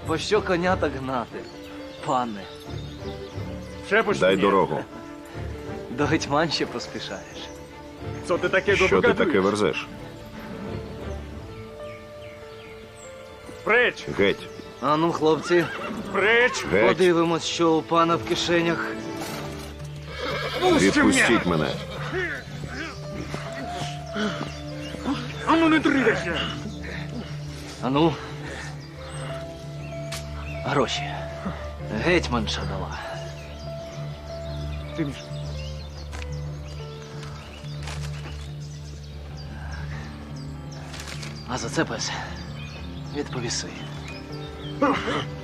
Пощо коня так гнати, пане? Дай дорогу. До гетьман ще поспішаєш. Що ти таке верзеш? Преч! Геть. А ну, хлопці, Преч! Геть. подивимось, що у пана в кишенях. Відпустіть мене. А ну не дригайся! А ну. Гроші. Гетьманша дала. Ти між. А за це, пес, відповіси.